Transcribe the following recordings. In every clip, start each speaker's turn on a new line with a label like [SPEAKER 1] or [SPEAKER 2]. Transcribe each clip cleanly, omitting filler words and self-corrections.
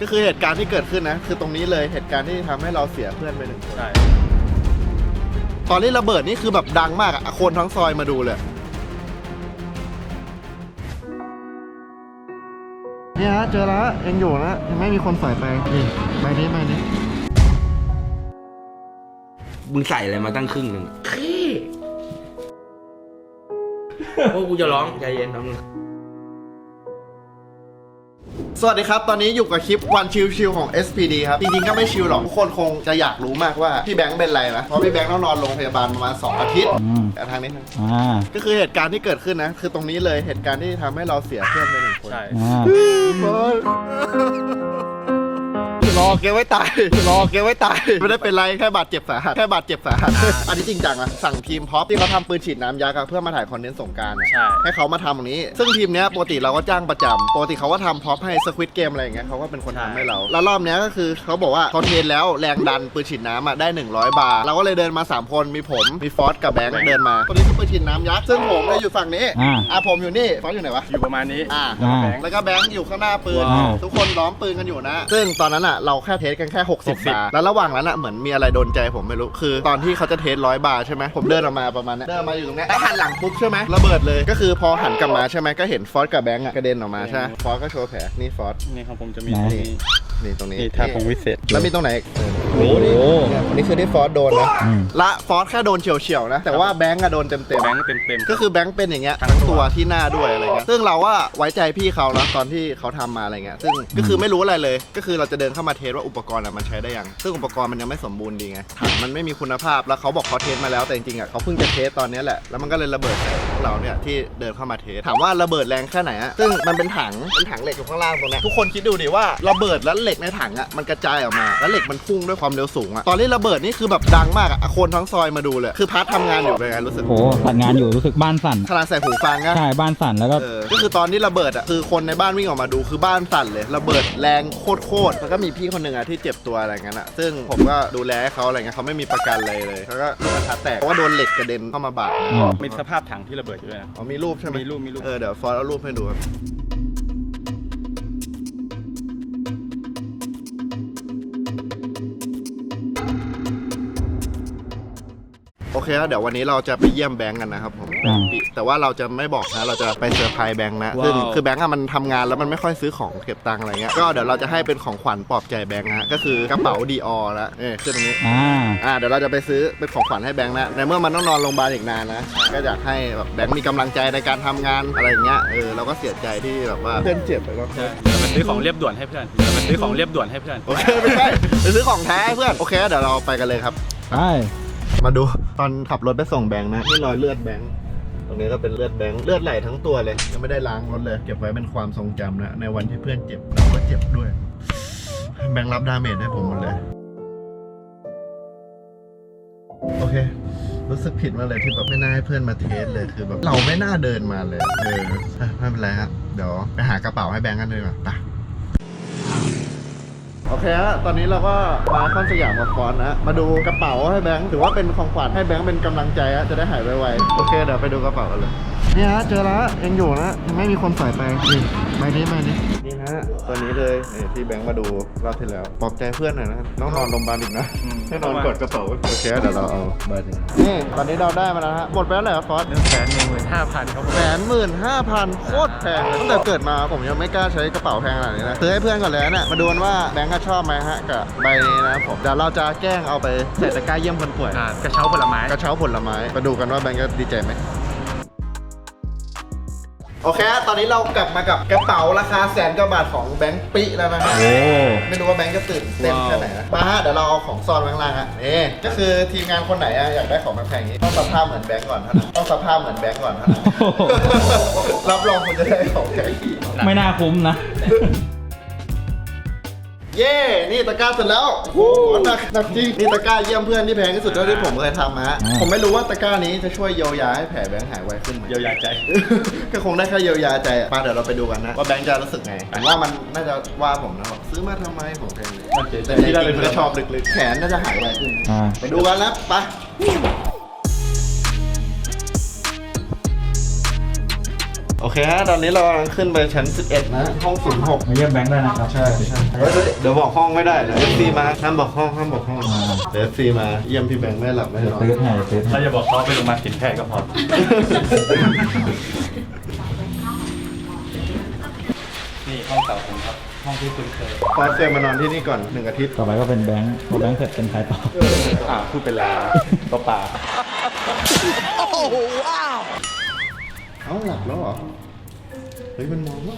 [SPEAKER 1] ก็คือเหตุการณ์ที่เกิดขึ้นนะคือตรงนี้เลยเหตุการณ์ที่ทำให้เราเสียเพื่อนไป1 คน
[SPEAKER 2] ใช่
[SPEAKER 1] ตอนนี้ระเบิดนี่คือแบบดังมากอะคนทั้งซอยมาดูเลยนี่ฮะเจอแล้วยังอยู่นะยังไม่มีคนใส่ไปนี่ใบนี้
[SPEAKER 3] มึงใส่อะไรมาตั้งครึ่งหนึ่งพวกกูจะร้องใจเย็นนะมึง
[SPEAKER 1] สวัสดีครับตอนนี้อยู่กับคลิปวันชิลๆของ SPD ครับจริงๆก็ไม่ชิลหรอกทุกคนคงจะอยากรู้มากว่าพี่แบงค์เป็นไรนะเพราะพี่แบงค์ต้องนอนโรงพยาบาลประมาณ2 อาทิตย์ทางนี้ก็คือเหตุการณ์ที่เกิดขึ้นนะคือตรงนี้เลยเหตุการณ์ที่ทำให้เราเสียเพื่อนไป1 คน
[SPEAKER 2] ใช่
[SPEAKER 1] รอแกไว้ตายไม่ได้เป็นไรแค่บาดเจ็บสาหัสอันนี้จริงจังนะสั่งทีมพ็อปที่เขาทำปืนฉีดน้ำยักษ์เพื่อมาถ่ายคอนเทนต์สงกรานต์ให้เขามาทำตรงนี้ซึ่งทีมเนี้ยปกติเราก็จ้างประจำปกติเขาก็ทำพ็อปให้สควิตเกมอะไรอย่างเงี้ยเขาก็เป็นคนทำให้เราแล้วรอบเนี้ยก็คือเขาบอกว่าเขาเทรนแล้วแรงดันปืนฉีดน้ำได้100 บาทเราก็เลยเดินมา3 คนมีผมมีฟอสกับแบงค์เดินมาตัวนี้คือปืนฉีดน้ำยักษ์ซึ่งผมเนี่ยอยู่ฝั่งนี้ผมอยู่นี่ฟอสอยู่ไหนวะ
[SPEAKER 2] อยู่ประมาณนี้
[SPEAKER 1] แล้วก็แบงค์อยู่ข้างหน้าปืนทุกคนล้อมปืนกันอยู่นะซึ่งตอนนั้นอ่ะเราแค่เทสกันแค่60 บาทแล้วระหว่างนั้นอ่ะเหมือนมีอะไรโดนใจผมไม่รู้คือตอนที่เขาจะเทส100 บาทใช่ไหมผมเดินออกมาประมาณนี้เดินมาอยู่ตรงนี้แล้วหันหลังปุ๊บใช่ไหมระเบิดเลยก็คือพอหันกลับมาใช่ไหมก็เห็นฟอสกับแบงค์กระเด็นออกมาใช่ไหมฟอสก็โชว์แผลนี่ฟอส
[SPEAKER 2] นี่ของผมจะมี
[SPEAKER 1] นี่ตรงนี้
[SPEAKER 2] นี่ท่าของวิเศษ
[SPEAKER 1] แล้วมีตรงไหนโอ้โหนี่คือที่ฟอสโดนนะละฟอสแค่โดนเฉียวๆนะแต่ว่าแบงค์โดนเต็มก็คือแบงค์เป็นอย่างเงี้ยทั้งตัวที่หน้าด้วยอะไรเงี้ยซึ่งเราว่าไว้ใจพี่เขานะตอนที่เขาทำมาอะไรเงี้ยซึ่งก็คือไม่รู้อะไรเลยก็คือเราจะเดินเข้ามาเทสว่าอุปกรณ์มันใช้ได้ยังซึ่งอุปกรณ์มันยังไม่สมบูรณ์ดีไงถังมันไม่มีคุณภาพแล้วเขาบอกเขาเทสมาแล้วแต่จริงๆเขาเพิ่งจะเทสตอนนี้แหละแล้วมันก็เลยระเบิดใส่พวกเราเนี่ยที่เดินเข้ามาเทสถามว่าระเบิดแรงแค่ไหนซึ่งมันเป็นถังเหล็กอยู่ข้างล่างตรงนี้ทุกคนคิดดูดิว่าระเบิดแล้วเหล็กในถังมันกระจายออกมาแล้วเหล็กมันพุ่งด้วยความเร็วสูงตอนที่ระเบิดนี่คือแบบดังมากคนทั้งซอยมาดูเลยคือพาร์ททำงานอยู่เป็นไงรู้สึก
[SPEAKER 4] โอ้ทำงานอยู่รู้สึกบ้านสั่น
[SPEAKER 1] ขนาดใส่หูฟัง
[SPEAKER 4] ใช่บ้านสั่นแล้ว
[SPEAKER 1] ก็คือตอนที่ระเบิดคือคนในบ้านวิ่งออกมาดูคือบ้านสั่นเลยระเบิดแรงโคตรแล้วก็มีพี่คนหนึ่งที่เจ็บตัวอะไรเงี้ยซึ่งผมก็ดูแลให้เขาอะไรเงี้ยเขาไม่มีประกันเลยเขาก็ลูกกระทะแตกเพราะว่าโดนเหล็กกระเด็นเข้ามาบาด
[SPEAKER 2] มีสภาพถังที่ระเบิดอยู่ด้วย
[SPEAKER 1] มีรูปใช่ไหม
[SPEAKER 2] มีรูป
[SPEAKER 1] เดี๋ยวฟอร์เอารูปให้ดูครับโอเคแล้วเดี๋ยววันนี้เราจะไปเยี่ยมแบงก์กันนะครับผมแต่ว่าเราจะไม่บอกนะเราจะไปเซอร์ไพรส์แบงก์นะซึ่งคือแบงก์มันทำงานแล้วมันไม่ค่อยซื้อของเก็บตังค์อะไรเงี้ยก็เดี๋ยวเราจะให้เป็นของขวัญปลอบใจแบงก์นะก็คือกระเป๋าดีออแล้วขึ้นตรงนี้เดี๋ยวเราจะไปซื้อเป็นของขวัญให้แบงก์นะในเมื่อมันต้องนอนโรงพยาบาลอีกนานนะก็อยากให้แบบแบงก์มีกำลังใจในการทำงานอะไรเงี้ยเราก็เสียใจที่แบบว่าเพื่อนเจ็บไปแล้ว
[SPEAKER 2] ไปซื้อของเรียบด่วนให้เพื่อน
[SPEAKER 1] โอเคไม่ใช่ไปซื้อของแท้เพื่อนโอเคเดี๋ยวเราไปกันเลยครับ
[SPEAKER 4] ใช่
[SPEAKER 1] มาดูตอนขับรถไปส่งแบงค์นะนี่รอยเลือดแบงค์ตรงนี้ก็เป็นเลือดแบงค์เลือดไหลทั้งตัวเลยยังไม่ได้ล้างรถเลยเก็บไว้เป็นความทรงจำนะในวันที่เพื่อนเจ็บเราก็เจ็บด้วยแบงค์รับดาเมจให้ผมหมดเลยโอเครู้สึกผิดมาเลยที่แบบไม่น่าให้เพื่อนมาเทสเลยคือแบบเราไม่น่าเดินมาเลยไม่เป็นไรครับเดี๋ยวไปหากระเป๋าให้แบงค์กันเลยไปโอเคฮะตอนนี้เราก็มาคอนสยามกับฟอนนะมาดูกระเป๋าให้แบงค์ถือว่าเป็นของขวัญให้แบงค์เป็นกำลังใจจะได้หายไวๆโอเคเดี๋ยวไปดูกระเป๋ากันเลยนี่ฮะเจอแล้วยังอยู่นะยังไม่มีคนใส่ไปนี่ใบนี้นี่ฮะตัวนี้เลยที่แบงค์มาดูรอบที่แล้วปลอบใจเพื่อนหน่อยนะน้องนอนโรงพยาบาลอีกนะให้นอนกดกระเป๋าโอเคเดี๋ยวเราเอาเบอร์นี่ตอนนี้เราได้มาแล้วฮะหมดไปแล้วเหรอฟอน
[SPEAKER 2] 115,000ครับ
[SPEAKER 1] 115,000โคตรแพงตั้งแต่เกิดมาผมยังไม่กล้าใช้กระเป๋าแพงขนาดนี้นะซื้อให้เพื่อนก่อนเลยนะมาดูกันว่าแบงค์ชอบไหมฮะกับใบนี้นะผมเดี๋ยวเราจะแกล้งเอาไปใส่ตะกร้าเยี่ยมคนป่วย
[SPEAKER 2] กระเช้าผลไม้
[SPEAKER 1] มาดูกันว่าแบงค์จะดีใจไหมโอเคตอนนี้เรากลับมากับกระเป๋าราคา100,000 กว่าบาทของแบงค์ปิแล้วนะฮะไม่รู้ว่าแบงค์จะตื่นเต้นแค่ไหนนะมาฮะเดี๋ยวเราเอาของซ่อนไว้ข้างล่างฮะนี่ก็คือทีมงานคนไหนอยากได้ของแพงๆนี้ต้องสภาพเหมือนแบงค์ก่อนนะรับรองคุณจะได้ของแพง
[SPEAKER 4] ไม่น่าคุ้มนะ
[SPEAKER 1] เย่นี่ตะกร้าเสร็จแล้วโอ้โหหนักจริงนี่ตะกร้าเยี่ยมเพื่อนที่แพงที่สุดเท่าที่ผมเคยทำฮะผมไม่รู้ว่าตะกร้านี้จะช่วยเยียวยาให้แผลแบงค์หายไวขึ้นไหม
[SPEAKER 2] เยียวยาใจ
[SPEAKER 1] ก็คงได้แค่เยียวยาใจมาเดี๋ยวเราไปดูกันนะว่าแบงค์จะรู้สึกไงผมว่ามันน่าจะว่าผมนะซื้อมาทำไมผมแพงเลยแต่จริงๆชอบลึกๆแขนน่าจะหายไวขึ้นไปดูกันแล้วไปโอเคฮะตอนนี้เรากำลังขึ้นไปชั้น 11 นะห้อง 06
[SPEAKER 4] มาเยี่ยมแบงค์ได้นะครับ
[SPEAKER 1] ใช่เฮ้ยเดี๋ยวบอกห้องไม่ได้เดี๋ยว FC มาห้ามบอกห้องเดี๋ยว FC มาเยี่ยมพี่แบงค์ไม่หลับไม่นอน
[SPEAKER 4] ตื้อให้ตื้อให้
[SPEAKER 2] เราจะบอกเขาไปโรงพยาบาลสินแพทย์ก็พอ นี่ห้องเต่าผมครับ ห้องที่คุณเคย
[SPEAKER 1] ฟอสเคยมานอนที่นี่ก่อน1 อาทิตย์
[SPEAKER 4] ต่อไปก็เป็นแบงค์พอแบงค์เสร็จเป็นใครต่อ
[SPEAKER 2] พูดเป็นลาตัวป่า
[SPEAKER 1] เอ้าหลับแล้วเหรอเฮ้ยมันมองแล้ว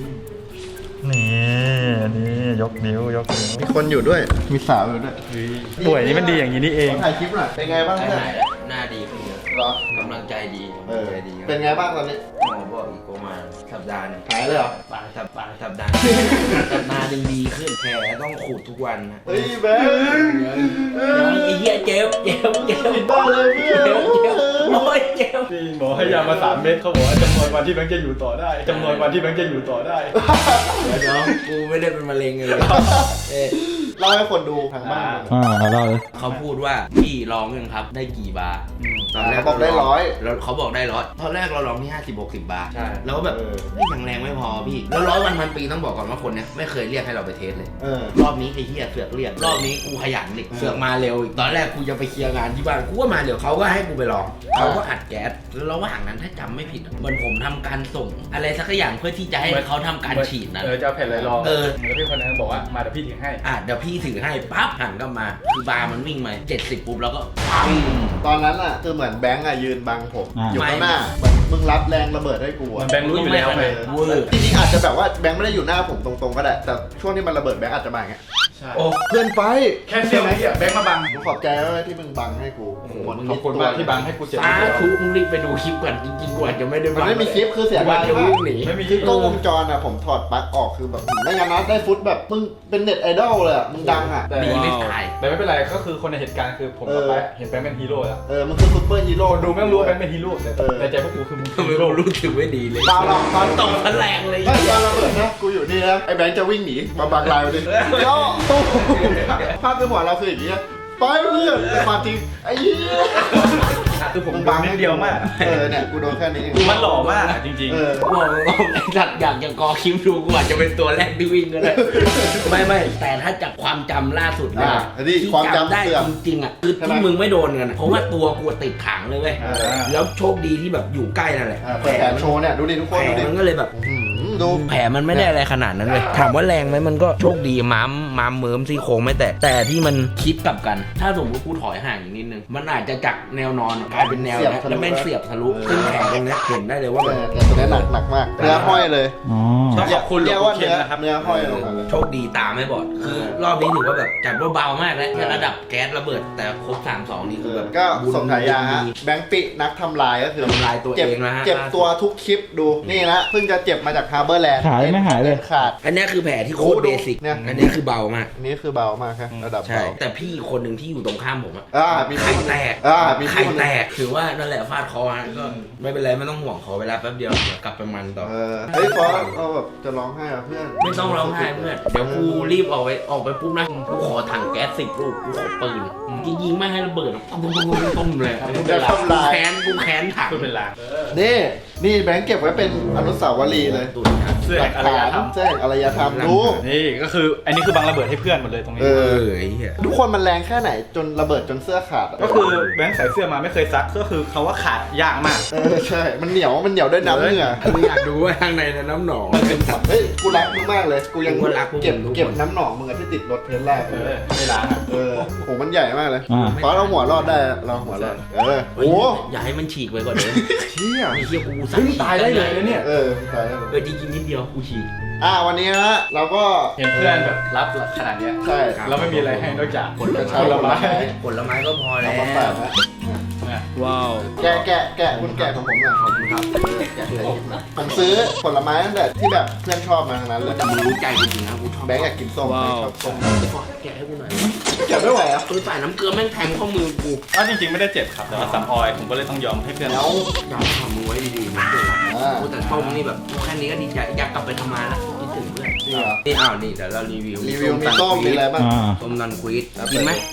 [SPEAKER 2] นี่ยกนิ้ว
[SPEAKER 1] มีคนอยู่ด้วยมีสาวอยู่ด้วย
[SPEAKER 2] ป่วยนี่มันดีอย่างนี้นี่เอง
[SPEAKER 1] ถ่ายคลิปหน่อยเป็นไงบ้าง
[SPEAKER 3] ใช่
[SPEAKER 1] เพื่อน
[SPEAKER 3] ไหนแล้วหน้าดีขึ้นเยอะ
[SPEAKER 1] เหรอก
[SPEAKER 3] ำลังใจดี
[SPEAKER 1] เอก
[SPEAKER 3] ำลั
[SPEAKER 1] อง
[SPEAKER 3] ใจดี
[SPEAKER 1] เป็นไงบ้างตอนนี้
[SPEAKER 3] หมอบอกอีกประมาณสัปดาห์หนึง
[SPEAKER 1] หายเลยเหรอ
[SPEAKER 3] สัปดาห์สัปดาห์หนึ่งดีขึ้นแผลต้องขูดทุกวันนะ
[SPEAKER 1] เฮ้ยแบงค์
[SPEAKER 3] ไอ้เหี้ยเจ็บ
[SPEAKER 1] บ้าเลยเพื่อน
[SPEAKER 3] โอ้ยเจ็บ
[SPEAKER 2] พี่หมอให้ยามา3 เม็ดเขาบอกว่าจำนวนวันที่แบงค์จะอยู่ต่อได้จำนวนวันที่แบงค์จะอยู่ต่อได้
[SPEAKER 3] เดี๋ยวกูไม่ได้เป็นมะเร็งเลยเอ๊ะ
[SPEAKER 1] เล่าให้คนดูทางบ้าน
[SPEAKER 4] เราเล่าเลย
[SPEAKER 3] เขาพูดว่าพี่ลองยังครับได้กี่บาร์ตอนแรก
[SPEAKER 1] เขาบอกได้100
[SPEAKER 3] แล้วเขาบอกได้100ตอนแรกเราลองที่50-60 บาร์
[SPEAKER 2] ใช่
[SPEAKER 3] แล้วก็แบบเฮ้ยยังแรงไม่พอพี่แล้ว100 วันพันปีต้องบอกก่อนว่าคนเนี้ยไม่เคยเรียกให้เราไปเทสเลย รอบนี้ไอ้เหี้ยเสือกเรียกรอบนี้กูขยันอีกเสือกมาเร็วอีกตอนแรกกูจะไปเคลียร์งานที่บ้านกูก็มาเร็วเขาก็ให้กูไปลองเขาก็อัดแก๊สแล้วระหว่างนั้นถ้าจำไม่ผิดอะเหมือนผมทำการส่ง อะไรสักอย่างเพื่อที่จะให้เขาทำการฉีดนะ
[SPEAKER 2] จะเอาแผ่นอะไรรอง
[SPEAKER 3] เออ
[SPEAKER 2] แล้วพี่คนนั้นบอกว่ามาเดี๋ยวพี่ถึงให้
[SPEAKER 3] เดี๋ยวพี่ถือให้ปั๊บหันกลับมาคือบาร์มันวิ่งมา70ปุ๊บแล้วก็ปัง
[SPEAKER 1] ตอนนั้นอ่ะคือเหมือนแบงค์อ่ะยืนบังผม
[SPEAKER 4] อ่า
[SPEAKER 1] อยู่ข้างหน้าเหมือนมึงรับแรงระเบิดให้กู
[SPEAKER 2] มั
[SPEAKER 1] อ่ะ
[SPEAKER 2] นแบงค์รู้อยู่แล้วไง
[SPEAKER 3] เวอร์
[SPEAKER 1] จริงๆอาจจะแบบว่าแบงค์ไม่ได้อยู่หน้าผมตรงๆก็ได้แต่ช่วงที่มันระเบิดแบงค์อาจจะมาอย่างเงี้ย
[SPEAKER 2] ใช่
[SPEAKER 3] โอ้
[SPEAKER 1] เพื่อนไป
[SPEAKER 2] แค่เสี้ยวนิดเดียวแบงค์มาบัง
[SPEAKER 1] กูขอบใจมากที่มึงบังให้กู
[SPEAKER 2] โอ้โหขอบคุณมากที่บังให้กูเจ็บ
[SPEAKER 3] สาธุมึงรีบไปดูคลิปก่อนจริงๆกูอาจจะไม่ได้
[SPEAKER 1] มันไม่มีคลิปคือเสีย
[SPEAKER 3] กู
[SPEAKER 1] ดา
[SPEAKER 3] อาย จจะ
[SPEAKER 1] มาก
[SPEAKER 3] วิ่งหนี
[SPEAKER 2] ไม่มี
[SPEAKER 1] คือกล้องวงจรอ่ะผมถอดปลั๊กออกคือแบบไม่งั้นนะได้ฟุตแบบมึงเป็นเน็ตไอดอลเลยอ่ะมึงดังอ่ะ
[SPEAKER 2] แต่
[SPEAKER 3] ดีไม่ตาย
[SPEAKER 2] แต่ไม่เป็นไรก็คือคนในเหตุการณ์คือผมกับแบงค์เห็นแบงค์เป็นฮีโร่แล้ว
[SPEAKER 1] มึงคือซุปเปอร์ฮีโร่
[SPEAKER 2] คนดูไม่ต้องรู้ว่าแบงค์เป็นฮีโร่แต่ใจพวกกูคือมึง
[SPEAKER 3] ทำไมเรารู้สึกไม่ดีเลย
[SPEAKER 1] เปล่าหรอกตอน
[SPEAKER 3] ตกพลังเลย
[SPEAKER 1] ไม่ตอนระเบิดนะกูอยู่นี่นะไอ้แบงค์จะวิ่งหนีมาบังลายมาดิโย่ภาพในหัวเราคืออย่างนี้นะไปเพื่อนแต่ความจริงไอ้เหี้ย
[SPEAKER 2] คือผมบังนิดเดียวมาก
[SPEAKER 1] เนี่ยกูโดนแค่นี้เอง
[SPEAKER 2] มันหล่อมากจริง
[SPEAKER 3] บอกไอ้สัตว์อยากจะกอคลิปดูกูอาจจะเป็นตัวแรกที่วิ่งก็ได้ไม่แต่ถ้าจากความจำล่าสุดเลยนะ
[SPEAKER 1] อันนี้
[SPEAKER 3] ที่
[SPEAKER 1] ความจำ
[SPEAKER 3] จำได้
[SPEAKER 1] เสื่อม
[SPEAKER 3] จริงๆอ่ะคือที่มึงไม่โดนกันอะเพราะว่าตัวกูติดขังเลยเว้ยแล้วโชคดีที่แบบอยู่ใกล้นั่นแหละ
[SPEAKER 1] เปิดแขนโชว์เนี่ยดูดิทุกคน
[SPEAKER 3] แผล
[SPEAKER 1] ดูดิ
[SPEAKER 3] มันก็เลยแบบ
[SPEAKER 1] ดู
[SPEAKER 3] แผลมันไม่ได้อะไรขนาดนั้นเลยถามว่าแรงไหมมันก็โชคดีม้ามเมิมซี่โครงไม่แต่ที่มันคิดกลับกัน ถ้าสมมติกูถอยห่างอีกนิดนึงมันอาจจะจากแนวนอนกลายเป็นแนวนะแล้วแม่งเสียบทะลุซึ่งแผลตรงเนี้ยเห็นได้เลยว่าแบบ
[SPEAKER 1] แต่ตัวนี้หนักมากเนื้อห้อยเลย
[SPEAKER 4] อ๋อ
[SPEAKER 2] ต้องขอบคุณหล
[SPEAKER 1] เรี
[SPEAKER 2] วย ง
[SPEAKER 1] ก
[SPEAKER 2] ปู่
[SPEAKER 1] ว่า
[SPEAKER 2] เคนนะครับ
[SPEAKER 1] เนื้อห้อยลงมาเลย
[SPEAKER 3] โชคดีตาไม่บอดคือรอบนี้ถือว่าแบบจัดว่าเบามากแล้วแค่ระดับแก๊สระเบิดแต่ครบ3-2นี่คือแบบ
[SPEAKER 1] ก็สมฉายาฮะแบงค์ปินักทำลายก็คือ
[SPEAKER 3] ทำลายตัวเองนะฮะ
[SPEAKER 1] เจ็บตัวทุกคลิปดูนี่นะเพิ่งจะเจ็บมาจากฮาร์เบอร์แลนด์
[SPEAKER 4] ขายังไม่หายเลย
[SPEAKER 1] ขาด
[SPEAKER 3] อันเนี้ยคือแผลที่โคตรเบสิก
[SPEAKER 1] เนี่ย
[SPEAKER 3] อันเนี้ยคือเบามาก
[SPEAKER 1] อันนี้คือเบามากครับระดับ
[SPEAKER 3] ใช่
[SPEAKER 1] เบา
[SPEAKER 3] แต่พี่คนหนึ่งที่อยู่ตรงข้ามผมอะ
[SPEAKER 1] มี
[SPEAKER 3] ไข่แตก
[SPEAKER 1] มี
[SPEAKER 3] ไข่แตกถือว่านั่นแหละฟาดคอฮะก็ไม่เป็นไรไม่ต้องห่วงขอเวลาแป๊บเดียวเดี๋ยวกลับไปมันต่อ
[SPEAKER 1] เฮ้ยฟอสเราแบบจะร้องไห้อ่ะเพื่อน
[SPEAKER 3] ไม่ต้องร้องไห้เพื่อนเดี๋ยวกูรีบออกไปปุ๊บนะกูขอถังแก๊ส10 ลูกกูขอปืนยิงไม่ให้ระเบิดต้มเลย
[SPEAKER 1] จะทำลาย
[SPEAKER 3] กูแค้นถัง
[SPEAKER 2] พูดเป็นลาง
[SPEAKER 1] นี่แบงค์เก็บไว้เป็นอนุสาวรีย์เลย
[SPEAKER 3] ตุนครับ
[SPEAKER 2] เสื้อแห่งอารยธรรม
[SPEAKER 1] แจ้งอารยธรรมรู้
[SPEAKER 2] นี่ก็คืออันนี้คือบังระเบิดให้เพื่อนหมดเลยตรงนี้
[SPEAKER 3] ไอ้เหี้ย
[SPEAKER 1] ทุกคนมันแรงแค่ไหนจนระเบิดจนเสื้อขาดอะ
[SPEAKER 2] ก็คือแบงค์ใส่เสื้อมาไม่เคยซักก็คือเขาว่าขาดยากมาก
[SPEAKER 1] ใช่ มันเหนียวด้วยน้ำเหงื่อ
[SPEAKER 3] กูอยากดูว่าข้างในน้ำหนองมันเป็นสัตว์
[SPEAKER 1] เฮ้ย กูรักมึงมากเลย กูยัง
[SPEAKER 3] กูรักพวกมึง
[SPEAKER 1] เก็บ
[SPEAKER 3] ทุกคน
[SPEAKER 1] เก็บน้ำหนองมึงอะที่ติดรถเทสลา
[SPEAKER 2] ไม่ล้างอ่ะ
[SPEAKER 1] โหมันใหญ่มากเลย
[SPEAKER 4] อ่า
[SPEAKER 1] เพราะเราหัวรอดได้เราหัวรอด โอ้
[SPEAKER 3] อย่าให้มันฉีกไปก่อนเด้อ
[SPEAKER 1] เชี่ย
[SPEAKER 3] ไอ้เหี้ยกูสั่
[SPEAKER 2] เฮ้ยตายได้เลยนะเนี่ย
[SPEAKER 1] ตายแล้ว
[SPEAKER 3] จริงๆนิดเดียวกูฉีก
[SPEAKER 1] วันนี้นะเราก็
[SPEAKER 2] เห็นเพื่อนแบบรับขนาดเนี้ย
[SPEAKER 1] ใช่
[SPEAKER 2] เราไม่มีอะไรให้นอกจาก
[SPEAKER 3] ผลไม้
[SPEAKER 2] ผลไม้
[SPEAKER 3] ผลไม้ก็พอแล้
[SPEAKER 1] เอา
[SPEAKER 3] ว
[SPEAKER 1] มาแปะนะ
[SPEAKER 2] ว้าว
[SPEAKER 1] แกะคุณแกะของผมหน่อย
[SPEAKER 3] ขอบคุณครับ
[SPEAKER 1] แกะใส่ยิ้มหน่อยผมซื้อผลไม้ตั้งแต่ที่แบบเพื่อนชอบมาทั้งนั้นเลย
[SPEAKER 3] แต่มึงรู้ใจกูจริงนะกูชอบ
[SPEAKER 1] แบงค์อยากกินส้มแบงค์ชอบส้ม
[SPEAKER 3] แกะให้กูหน่อย
[SPEAKER 1] แกะไม่ไหวอ่ะ
[SPEAKER 3] คือใส่น้ำเกลือแม่งแทงข้อมือกู
[SPEAKER 2] ก็จริงๆไม่ได้เจ็บครับแต่ว่าซ้ำออยผมก็เลยต้องยอมให้เพื่อน
[SPEAKER 1] แล้ว
[SPEAKER 3] อยากทำมือไว้ดีๆนะเพื่อนแต่ส้มนี่แบบแค่นี้ก็ดีใจอยากกลับไปทำงานแล้วคิดถึงเพื่อน
[SPEAKER 1] จริงเหรอ
[SPEAKER 3] นี่นี่เดี๋ยวเรารีวิว
[SPEAKER 1] รีวิวมีส้มมีอะไรบ้าง
[SPEAKER 4] อ่า
[SPEAKER 3] ส้มนันควีดกินไหม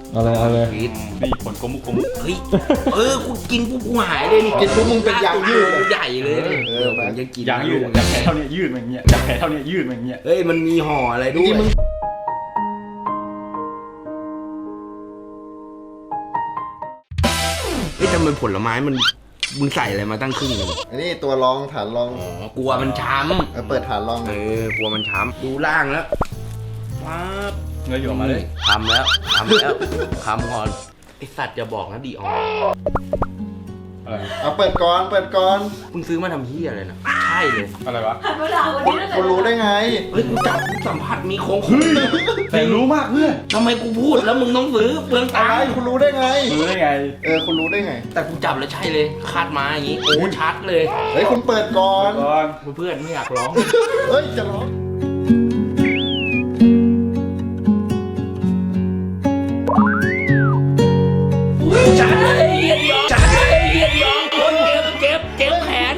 [SPEAKER 4] เอาเลย
[SPEAKER 3] พีท
[SPEAKER 2] นี่ผลโกมุก
[SPEAKER 3] เฮ้ยกูกินปุ๊บกูหายเลยนี่
[SPEAKER 1] กินปุ๊บมึงเป็นยางยืด
[SPEAKER 3] ใหญ่เลยนี่ ผมจะกิน
[SPEAKER 2] ยางยืดจากแขนเท่านี้ยืดมาอย่างเงี้ยจากแขนเท่านี้ยืดมาอย่างเงี้ย
[SPEAKER 3] เฮ้ยมันมีห่ออะไรด้วย
[SPEAKER 1] มึง
[SPEAKER 3] เฮ้ยทำไมผลไม้มึงใส่อะไรมาตั้งครึ่งหนึง
[SPEAKER 1] อันนี้ตัวรองฐานรอง
[SPEAKER 3] อ๋อกลัวมันช้ำ
[SPEAKER 1] เปิดฐานรอง
[SPEAKER 3] กลัวมันช้ำดูล่างแล้วป๊าบ
[SPEAKER 2] เงยอยู่ออกมาเลย
[SPEAKER 3] ทำแล้วก่อนไอสัตว์จะบอกนะดีออน
[SPEAKER 2] อะไร
[SPEAKER 1] เอาเปิดก่อนเปิดก่อน
[SPEAKER 3] มึงซื้อมาทำเหี้ยอะไรนะใช่เลย
[SPEAKER 2] อะไรวะ
[SPEAKER 5] หันมาด่าวัน
[SPEAKER 1] คุณ
[SPEAKER 5] นี้แล้ว
[SPEAKER 1] คุณรู้ได้ไง
[SPEAKER 3] เฮ้ยกูจับกูสัมผัสมีโค้ง
[SPEAKER 2] แต่รู้มากเพื่อน
[SPEAKER 3] ทำไมกูพูดแล้วมึงต้องซื้อเปลือง
[SPEAKER 1] อะ
[SPEAKER 3] ตัง
[SPEAKER 1] ไร
[SPEAKER 3] ค์
[SPEAKER 1] คุณรู้ได้ไง
[SPEAKER 2] รู้ได้ไง
[SPEAKER 1] คุณรู้ได้ไง
[SPEAKER 3] แต่กูจับแล้วใช่เลยคาดมาอย่างงี้โอ้ชัดเลย
[SPEAKER 1] เฮ้ยคุณเปิดก่อน
[SPEAKER 2] ก่อน
[SPEAKER 3] เพื่อนไม่อยากร้อง
[SPEAKER 1] เฮ้ยจะร้อง
[SPEAKER 3] ชัดเลยเฮียดยองชัดเลยเฮียดยองคนเจ็บแขน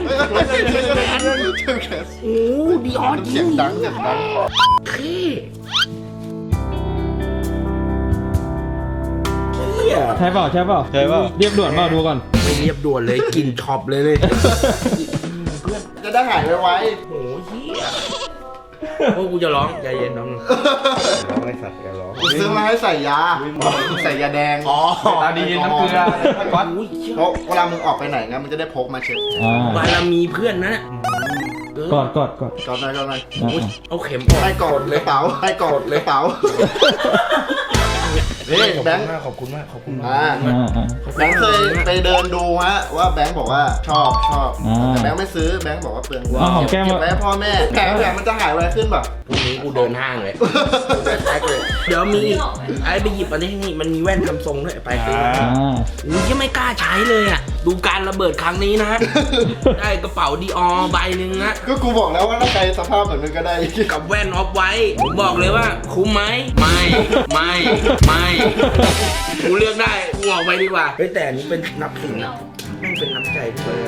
[SPEAKER 3] โอ้ดีออนจริ
[SPEAKER 1] เสีย
[SPEAKER 3] ง
[SPEAKER 1] งดังเสียงดัง
[SPEAKER 3] ขี้เฮีย
[SPEAKER 4] ใช่เปล่า
[SPEAKER 2] ใช่ป่ะ
[SPEAKER 4] เรียบด่วนเปล่าดูก่อน
[SPEAKER 3] ไม่เรียบด่วนเลยกลินช็อปเลยเพื่อน
[SPEAKER 1] จะได้หายไว
[SPEAKER 3] โอ้เฮียโอ้กูจะร้องใจเย็นน้องร้องไอ้สัตว์จะร้อง
[SPEAKER 1] ๆกูซื้อมาให้ใส่ยาใส่ยาแดง
[SPEAKER 3] อ๋อ
[SPEAKER 2] ตาดีน้ำเกลือก๊อต
[SPEAKER 3] โอ้ยเหี้ย
[SPEAKER 1] เพราะเวลามึงออกไปไหนนะมันจะได้พกมาเช็ด
[SPEAKER 3] บารมีเพื่อนนะ
[SPEAKER 4] กอด
[SPEAKER 1] ก่อนหน่อยก่อนหน่อย
[SPEAKER 3] อุ๊ยเอาเข็มออก
[SPEAKER 1] ให้กอดเลยเป๋าให้กอดเลยเป๋านี่แบงค์
[SPEAKER 3] ขอบคุณมาก
[SPEAKER 1] แบงค์เคยไปเดินดูฮะว่าแบงค์บอกว่าชอบแต่แบงค์ไม่ซื้อแบงค์บอกว่าเปลืองเงิน
[SPEAKER 4] เอาหอมแก้ม
[SPEAKER 1] เก็บไว้ให้พ่อแม่แผลมันจะหายไวขึ้นแบบ
[SPEAKER 3] พรุ่งนี้กูเดินห้างเลยแท็กเลยเดี๋ยวมีไอ้ไปหยิบอันนี้นี่มันมีแว่นทำทรงด้วยไปซื้ออุ้ยยังไม่กล้าใช้เลยอ่ะดูการระเบิดครั้งนี้นะได้กระเป๋าดีออใบหนึ่งนะ
[SPEAKER 1] ก็กูบอกแล้วว่าถ้าใครสภาพแบบนึงก็ได้
[SPEAKER 3] กับแว่นออฟไว้ผมบอกเลยว่าคุ้มไหมไม่กูเลือกได้กูออกไปดีกว่าเฮ้ยแต่อันนี้เป็นนับถึงนะแม่งเป็นน้ำใจที่เลย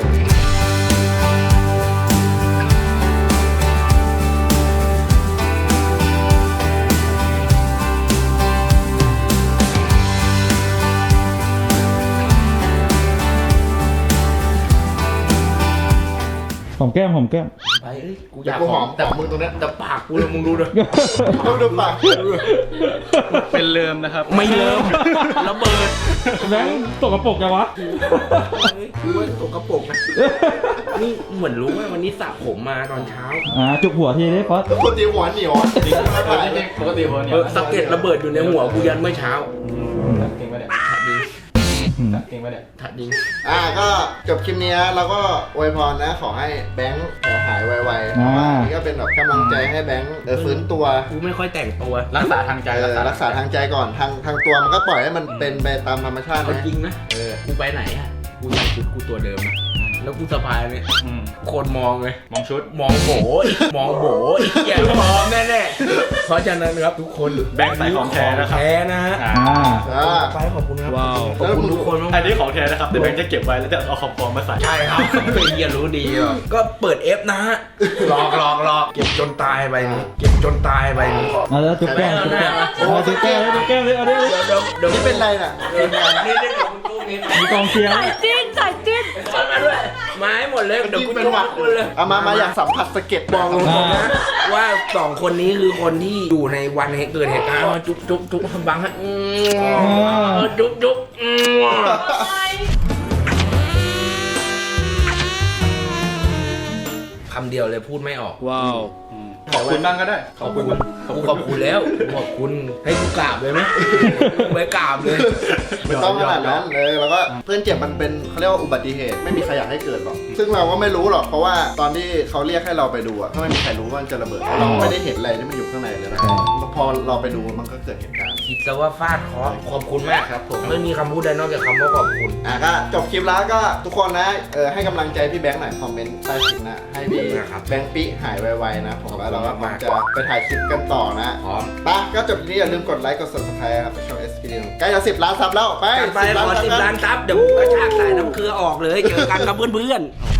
[SPEAKER 4] หอมแก้ม
[SPEAKER 3] ไปเอ้ยกูอ
[SPEAKER 1] เดี๋ย
[SPEAKER 3] ยาว ก
[SPEAKER 1] กู
[SPEAKER 3] ห
[SPEAKER 1] ห
[SPEAKER 3] อ
[SPEAKER 1] อ
[SPEAKER 3] ม
[SPEAKER 1] มแต่มึงตรงเนี้ย
[SPEAKER 3] แต่ปากกูเลยมึงดูเลย
[SPEAKER 1] ดูปาก
[SPEAKER 2] เป็นเริ่มนะครับ
[SPEAKER 3] ไม่เริ่มระเบิด
[SPEAKER 4] แบงค์ตกกระปรกยังวะ
[SPEAKER 3] กูว่าตกกระปรกนะนี่เหมือนรู้ว่าวันนี้สระผมมาตอนเช้า
[SPEAKER 4] จุกหัวทีได้ฟอส
[SPEAKER 1] ปกติหัวเหนียว
[SPEAKER 2] ปกติหัวเนี่ย
[SPEAKER 3] สะเก็ดระเบิดอยู่ในหัวกูยันเมื่อเช้า
[SPEAKER 2] เก่งปะเนี่ยเก่งปะเนี่ย
[SPEAKER 3] ถัดดี
[SPEAKER 1] ก็จบคลิปนี้เราก็อวยพรนะขอให้แบงค์หายไวๆเพราะว่านี่ก็เป็นแบบกำลังใจให้แบงค์ฟื้นตัว
[SPEAKER 3] กูไม่ค่อยแต่งตัว
[SPEAKER 2] รักษาทางใจ
[SPEAKER 1] รักษาทางใจก่อนทางตัวมันก็ปล่อยให้มันเป็นไปตามธรรมชาติ
[SPEAKER 3] เอา
[SPEAKER 1] นะ
[SPEAKER 3] จริงนะกูไปไหนอะกูใส่ชุดกูตัวเดิมนะแล้วกูสะพายเนี่ยคนมองเลย
[SPEAKER 2] มองชุด
[SPEAKER 3] มองโบอย่ามองแน่ๆเพราะฉะนั้นครับทุกคน
[SPEAKER 2] แบงค์ใส่ของแท้นะครับ
[SPEAKER 3] แท้นะฮะ ไปขอบคุณครับขอบคุณทุกคนมาก
[SPEAKER 2] อันนี้ของแท้นะครับแต่แบงค์จะเก็บไว้แล้วจะเอาของปลอมมาใส่
[SPEAKER 3] ใช่ครับเป็นเฮียรู้ดีอ่ะก็เปิด F นะฮะหลอกเก็บจนตายไปนี่
[SPEAKER 4] แล้วจุกแก้มจุกแก้มจุกแก้มเลยเอาดิ
[SPEAKER 3] เดี๋ยว
[SPEAKER 1] นี่เป็นไรน่ะ
[SPEAKER 3] นี่เดี๋ยวมึงตู้นี้
[SPEAKER 4] มีกองเชียร์
[SPEAKER 5] ใส่จิ้นใส่จิ้น
[SPEAKER 3] มาด้วยมาให้หมดเลยเดี๋ยวกู
[SPEAKER 1] เป็น
[SPEAKER 3] จุ๊
[SPEAKER 1] หวัด
[SPEAKER 3] คุณเลย
[SPEAKER 1] เอามาอยากสัมผัสสะเก็ด
[SPEAKER 3] บอกตรงๆนะว่าสองคนนี้คือคนที่อยู่ในวันเกิดเหตุการณ์จุ๊บบังฮะจุ๊บคำเดียวเลยพูดไม่ออก
[SPEAKER 2] ขอบคุณบ้างก็ได้
[SPEAKER 3] ขอบคุณแล้วขอบคุณให้กูกราบเลยไหมไม่กราบเลย
[SPEAKER 1] ไม่ต้องขนาดนั้นเลยแล้วก็เพื่อนเจ็บมันเป็นเขาเรียกว่าอุบัติเหตุไม่มีใครอยากให้เกิดหรอกซึ่งเราก็ไม่รู้หรอกเพราะว่าตอนที่เขาเรียกให้เราไปดูอะก็ไม่มีใครรู้ว่ามันจะระเบิดเราไม่ได้เห็นอะไรที่มันอยู่ข้างในเลยนะพอเราไปดูมันก็เกิดเหตุการณ์
[SPEAKER 3] คิดซะว่าฟาดเคราะห์ขอบคุณมากครับผมไม่มีคำพูดใดนอกจากคำว่าขอบคุณ
[SPEAKER 1] ก็จบคลิปแล้วก็ทุกคนนะให้กำลังใจพี่แบงค์หน่อยคอมเมนต์ใต้คลิปนะให้พี่แบงค์ปิหายไวๆนะผมว่าเราก็จะไปถ่ายคลิปกันต่อนะ
[SPEAKER 3] พร้อม
[SPEAKER 1] ไปก็จบทีนี้อย่าลืมกดไลค์กด subscribe ครับช่อง SP ใกล้จะ10 ล้านซับแล้วไป
[SPEAKER 3] ไปขอ10 ล้านซับเดี๋ยวกระชากสายน้ำเกลือออกเลยเจอกันครับเพื่อนๆ